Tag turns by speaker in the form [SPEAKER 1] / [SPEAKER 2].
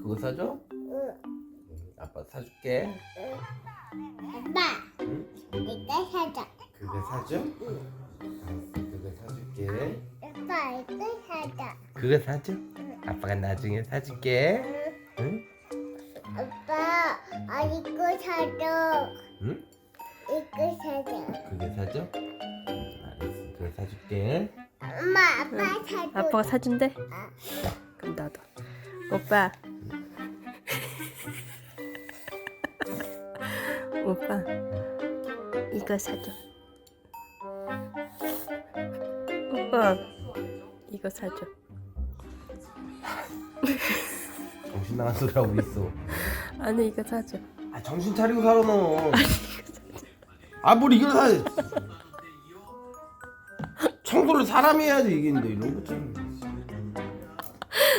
[SPEAKER 1] 그거 사줘?
[SPEAKER 2] 응.
[SPEAKER 1] 아빠 사줄게.
[SPEAKER 2] 아빠,
[SPEAKER 1] 응?
[SPEAKER 2] 이거 사자.
[SPEAKER 1] 그거 사줘? 알았어, 그거 사줄게.
[SPEAKER 2] 아빠, 이거 사자.
[SPEAKER 1] 그거 사줘? 아빠가 나중에 사줄게. 응?
[SPEAKER 2] 아빠, 이거 사줘.
[SPEAKER 1] 응?
[SPEAKER 2] 이거 사자.
[SPEAKER 1] 그거 사줘? 알았어, 그거 사줄게.
[SPEAKER 2] 엄마, 아빠 사줘.
[SPEAKER 3] 아빠가 사준대?
[SPEAKER 2] 아.
[SPEAKER 3] 그럼 나도. 오빠. 오빠. 이거 사줘. 오빠. 이거 사줘.
[SPEAKER 1] 정신 나간 소리 하고 있어.
[SPEAKER 3] 아니 이거 사줘.
[SPEAKER 1] 아, 정신 차리고 살아 너. 아, 뭘 이걸 사? 청소를 사람이 해야지 이게 이런 거 좀.